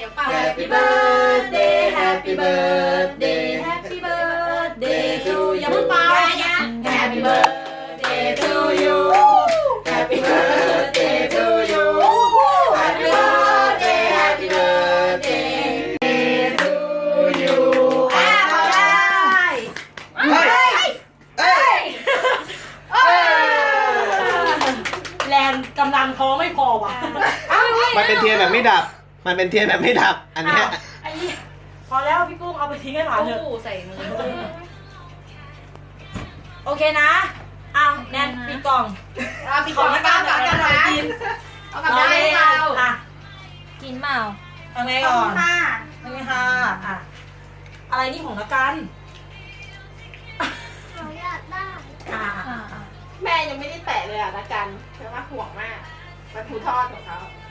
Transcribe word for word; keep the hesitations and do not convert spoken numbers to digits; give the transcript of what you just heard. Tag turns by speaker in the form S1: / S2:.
S1: ดี๋ยวเป่า
S2: Happy birthday Happy birthday Happy birthday to you อย่าเพิ่งเป่า Happy birthday to you Happy birthday to you Happy birthday Happy birthday to you อ่ะเอาได้เฮ้ยเอ้ยเอ้ยแรงกำลังท้อไม่พอว่ะ
S3: มันเป็นเทียนแบบไม่ดับมันเป็นเทียนแบบไม่ดับอันเนี้ย
S2: ไอ้พอแล้วพี่กุ้งเอาไปทิ้งให้หลานเถอะ
S1: ใส่มือ
S2: โอเคนะอ้าวแนนปิดกล่องของนักการก่อนกันหน่อยกินเอากลับได้เราอ่ะกินเปล่าทำไงก่อนทำไงค่ะอ่ะอะไรนี่ของนักการ
S1: เราอยากได้
S2: อ่ะ
S1: แม่ยังไม่ได้แตะเลยอ่ะนักการเพราะว่าห่วงมากมันถูทอดของเขา